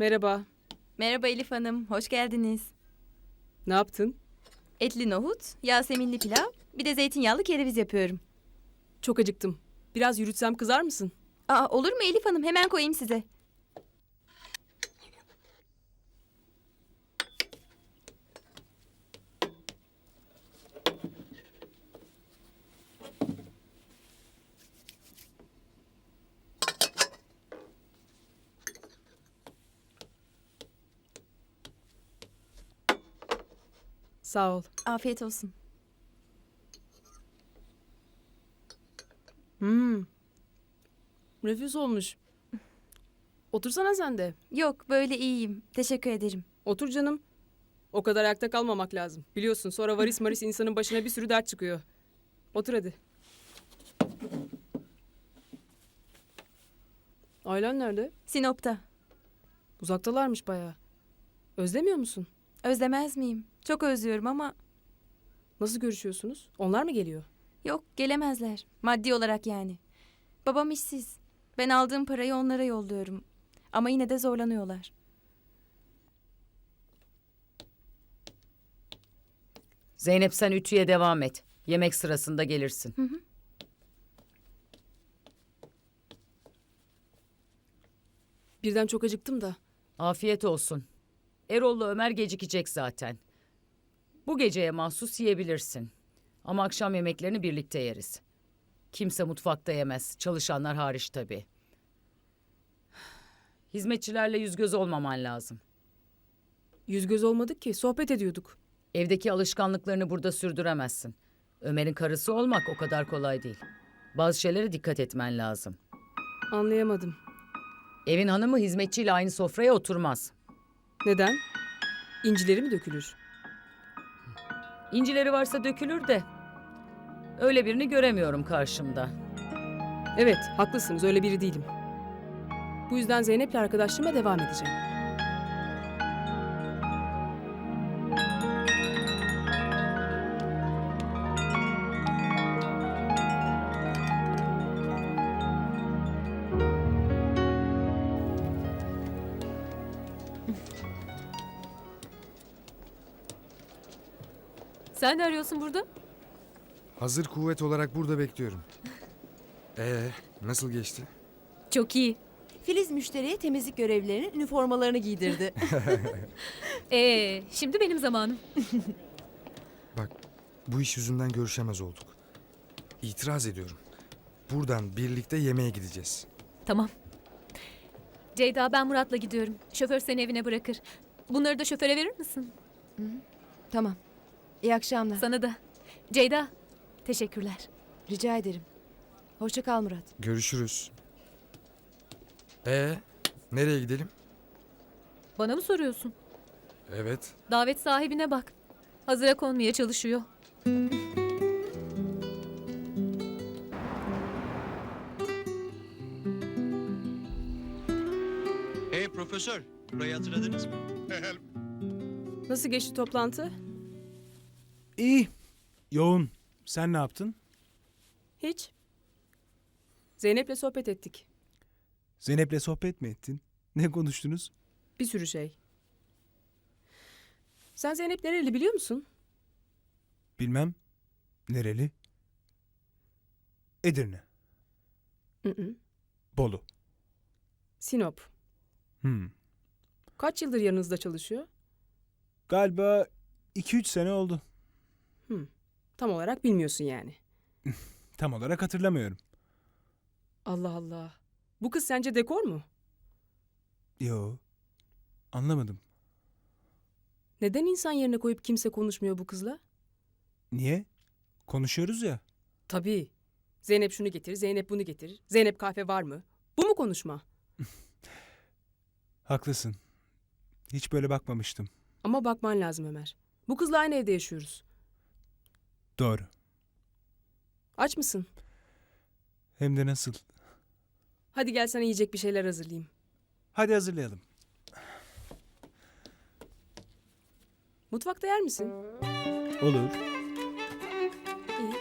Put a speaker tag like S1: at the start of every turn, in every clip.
S1: Merhaba.
S2: Merhaba Elif Hanım, hoş geldiniz.
S1: Ne yaptın?
S2: Etli nohut, yaseminli pilav, bir de zeytinyağlı kereviz yapıyorum.
S1: Çok acıktım. Biraz yürütsem kızar mısın?
S2: Aa, olur mu Elif Hanım? Hemen koyayım size.
S1: Sağ ol.
S2: Afiyet olsun.
S1: Nefis olmuş. Otursana sen de.
S2: Yok, böyle iyiyim. Teşekkür ederim.
S1: Otur canım. O kadar ayakta kalmamak lazım. Biliyorsun sonra varis maris insanın başına bir sürü dert çıkıyor. Otur hadi. Ailen nerede?
S2: Sinop'ta.
S1: Uzaktalarmış bayağı. Özlemiyor musun?
S2: Özlemez miyim? Çok özlüyorum ama
S1: Nasıl görüşüyorsunuz? Onlar mı geliyor?
S2: yok, gelemezler. Maddi olarak yani. Babam işsiz. Ben aldığım parayı onlara yolluyorum. Ama yine de zorlanıyorlar.
S3: Zeynep sen ütüye devam et. Yemek sırasında gelirsin.
S1: Birden çok acıktım da.
S3: Afiyet olsun. Erol'la Ömer gecikecek zaten. Bu geceye mahsus yiyebilirsin. Ama akşam yemeklerini birlikte yeriz. Kimse mutfakta yemez. Çalışanlar hariç tabii. Hizmetçilerle yüz göz olmaman lazım.
S1: Yüz göz olmadık ki. Sohbet ediyorduk.
S3: Evdeki alışkanlıklarını burada sürdüremezsin. Ömer'in karısı olmak o kadar kolay değil. Bazı şeylere dikkat etmen lazım.
S1: Anlayamadım.
S3: Evin hanımı hizmetçiyle aynı sofraya oturmaz.
S1: Neden? İncileri mi dökülür?
S3: İncileri varsa dökülür de. Öyle birini göremiyorum karşımda.
S1: Evet, haklısınız. Öyle biri değilim. Bu yüzden Zeynep'le arkadaşlığıma devam edeceğim.
S4: Sen ne arıyorsun burada?
S5: Hazır kuvvet olarak burada bekliyorum. Nasıl geçti?
S4: Çok iyi.
S6: Filiz müşteriye temizlik görevlilerinin üniformalarını giydirdi.
S4: Şimdi benim zamanım.
S5: Bak, bu iş yüzünden görüşemez olduk. İtiraz ediyorum. Buradan birlikte yemeğe gideceğiz.
S4: Tamam. Ceyda ben Murat'la gidiyorum. Şoför seni evine bırakır. Bunları da şoföre verir misin?
S6: Tamam. İyi akşamlar.
S4: Sana da. Ceyda, teşekkürler.
S6: Rica ederim. Hoşça kal Murat.
S5: Görüşürüz. Nereye gidelim?
S4: Bana mı soruyorsun?
S5: Evet.
S4: Davet sahibine bak. Hazıra konmaya çalışıyor.
S7: Hey profesör, burayı hatırladınız mı?
S1: Nasıl geçti toplantı?
S8: İyi. Yoğun. Sen ne yaptın?
S1: Hiç. Zeynep'le sohbet ettik.
S8: Zeynep'le sohbet mi ettin? Ne konuştunuz?
S1: Bir sürü şey. Sen Zeynep nereli biliyor musun?
S8: Bilmem. Nereli? Edirne.
S1: Hı.
S8: Bolu.
S1: Sinop. Kaç yıldır yanınızda çalışıyor?
S8: Galiba 2-3 sene oldu.
S1: Tam olarak bilmiyorsun yani.
S8: Tam olarak hatırlamıyorum.
S1: Allah Allah. Bu kız sence dekor mu?
S8: Yo. Anlamadım.
S1: Neden insan yerine koyup kimse konuşmuyor bu kızla?
S8: Niye? Konuşuyoruz ya.
S1: Tabii. Zeynep şunu getir, Zeynep bunu getir. Zeynep kahve var mı? Bu mu konuşma?
S8: Haklısın. Hiç böyle bakmamıştım.
S1: Ama bakman lazım Ömer. Bu kızla aynı evde yaşıyoruz.
S8: Doğru.
S1: Aç mısın?
S8: Hem de nasıl?
S1: Hadi gel sana yiyecek bir şeyler hazırlayayım.
S8: Hadi hazırlayalım.
S1: Mutfakta yer misin?
S8: Olur.
S1: İyi.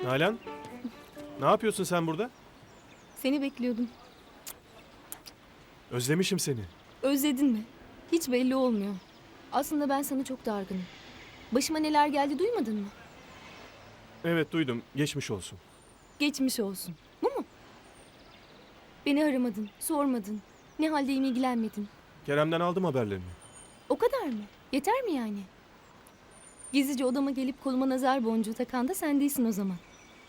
S9: Nalan, ne yapıyorsun sen burada?
S10: Seni bekliyordum.
S9: Özlemişim seni.
S10: Özledin mi? Hiç belli olmuyor. Aslında ben sana çok dargınım. Başıma neler geldi duymadın mı?
S9: Evet duydum, geçmiş olsun.
S10: Geçmiş olsun. Bu mu? Beni aramadın, sormadın. Ne haldeyim ilgilenmedin.
S9: Kerem'den aldım haberlerini.
S10: O kadar mı? Yeter mi yani? Gizlice odama gelip koluma nazar boncuğu takan da sen değilsin o zaman.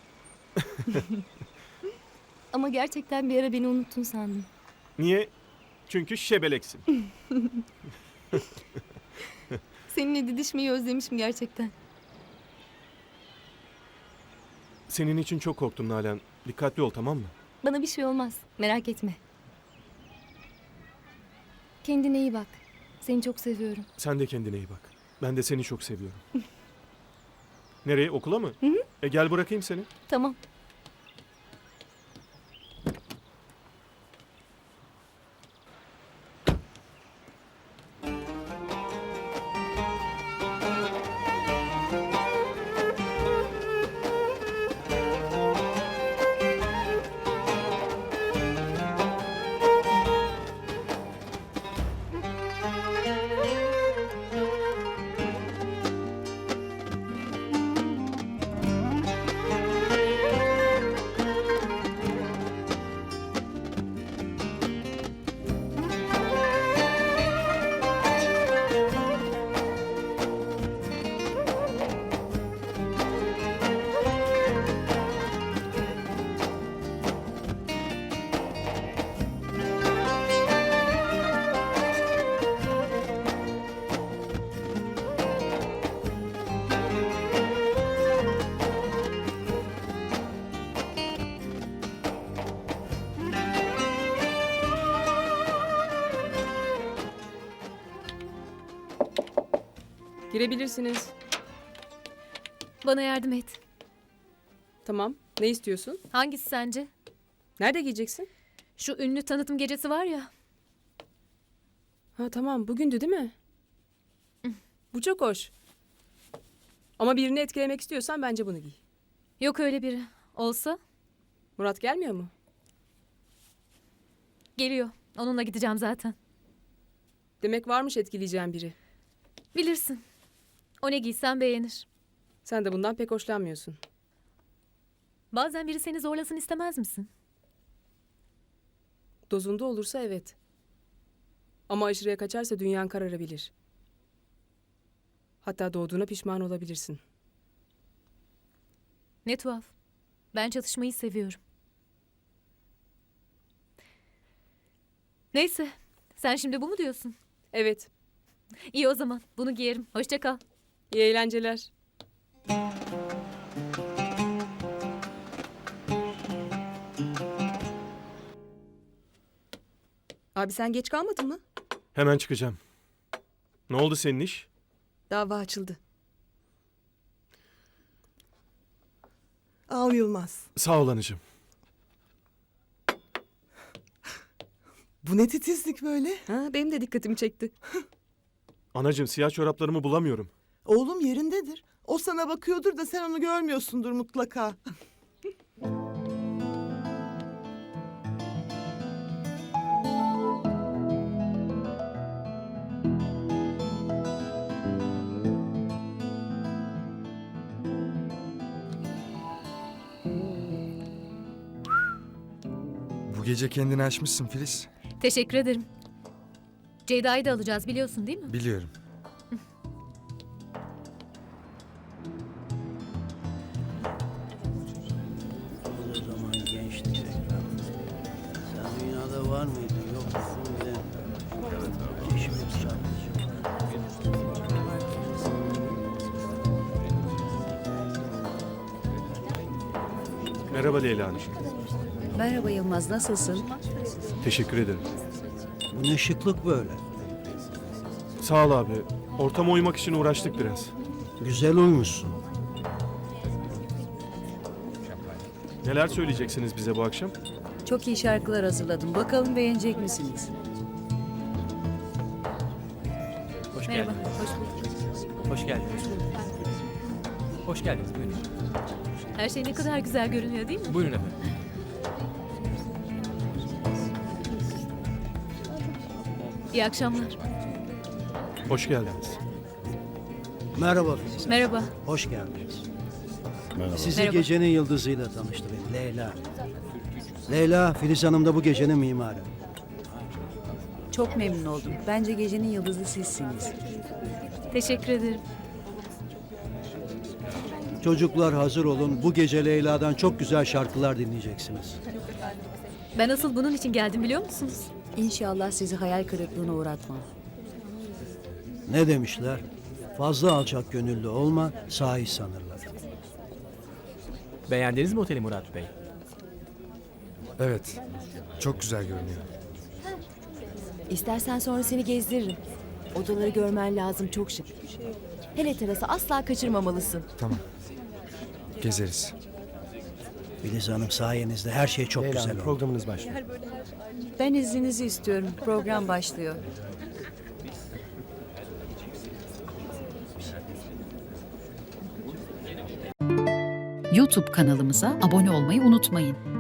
S10: Ama gerçekten bir ara beni unuttun sandım.
S9: Niye? Çünkü şebeleksin.
S10: Seninle didişmeyi özlemişim gerçekten.
S9: Senin için çok korktum Nalan. Dikkatli ol, tamam mı?
S10: Bana bir şey olmaz. Merak etme. Kendine iyi bak. Seni çok seviyorum.
S9: Sen de kendine iyi bak. Ben de seni çok seviyorum. Nereye? Okula mı?
S10: Hı hı.
S9: Gel bırakayım seni.
S10: Tamam.
S1: Girebilirsiniz.
S4: Bana yardım et.
S1: Tamam. Ne istiyorsun?
S4: Hangisi sence?
S1: Nerede giyeceksin?
S4: Şu ünlü tanıtım gecesi var ya.
S1: Ha tamam. Bugündü değil mi? Bu çok hoş. Ama birini etkilemek istiyorsan bence bunu giy.
S4: Yok öyle biri. Olsa
S1: Murat gelmiyor mu?
S4: geliyor. Onunla gideceğim zaten.
S1: Demek varmış etkileyeceğin biri.
S4: Bilirsin. O ne giysen beğenir.
S1: Sen de bundan pek hoşlanmıyorsun.
S4: Bazen biri seni zorlasın istemez misin?
S1: Dozunda olursa evet. Ama aşırıya kaçarsa dünyan kararabilir. Hatta doğduğuna pişman olabilirsin.
S4: Ne tuhaf. Ben çatışmayı seviyorum. Neyse. Sen şimdi bu mu diyorsun?
S1: Evet.
S4: İyi o zaman. Bunu giyerim. Hoşça kal.
S1: İyi eğlenceler.
S6: Abi sen geç kalmadın mı?
S9: Hemen çıkacağım. Ne oldu senin iş?
S6: Dava açıldı. Al Yılmaz.
S9: Sağ ol anacığım.
S6: Bu ne titizlik böyle? Ha, benim de dikkatimi çekti.
S9: Anacığım siyah çoraplarımı bulamıyorum.
S11: Oğlum yerindedir. O sana bakıyordur da sen onu görmüyorsundur mutlaka.
S5: Bu gece kendini aşmışsın Filiz.
S4: Teşekkür ederim. Ceyda'yı da alacağız biliyorsun değil mi?
S5: Biliyorum.
S12: O zaman gençtik ekran. Sen dünyada var mıydın yok musun bilemiyorum. Çeşimiz çarpıcı.
S9: Merhaba Leyla Hanım.
S3: Merhaba Yılmaz, nasılsın?
S9: Teşekkür ederim.
S12: Bu ne şıklık böyle.
S9: Sağ ol abi. Ortama uymak için uğraştık biraz.
S12: Güzel olmuşsun.
S9: Neler söyleyeceksiniz bize bu akşam?
S3: Çok iyi şarkılar hazırladım. Bakalım beğenecek misiniz?
S12: Hoş
S4: Merhaba.
S12: geldin.
S4: Hoş bulduk.
S12: Hoş geldin.
S13: Hoş geldiniz. Buyurun.
S4: Her şey ne kadar güzel görünüyor değil mi?
S13: Buyurun efendim.
S4: İyi akşamlar.
S9: Hoş geldiniz.
S12: Merhaba Filiz.
S4: Merhaba.
S12: Hoş geldiniz. Sizi
S4: Merhaba.
S12: gecenin yıldızıyla tanıştırayım. Leyla. Leyla, Filiz Hanım da bu gecenin mimarı.
S6: Çok memnun oldum. Bence gecenin yıldızı sizsiniz.
S4: Teşekkür ederim.
S12: Çocuklar hazır olun. Bu gece Leyla'dan çok güzel şarkılar dinleyeceksiniz.
S4: Ben asıl bunun için geldim biliyor musunuz?
S6: İnşallah sizi hayal kırıklığına uğratmam.
S12: Ne demişler? Fazla alçak gönüllü olma, sahi sanırlar.
S13: Beğendiniz mi oteli Murat Bey?
S5: Evet. Çok güzel görünüyor.
S6: İstersen sonra seni gezdiririm. Odaları görmen lazım, çok şık. Hele terası asla kaçırmamalısın.
S5: Tamam. Gezeriz.
S12: Filiz Hanım sayenizde her şey çok güzel oldu.
S9: Programınız başlıyor.
S6: Ben izninizi istiyorum. Program başlıyor.
S14: YouTube kanalımıza abone olmayı unutmayın.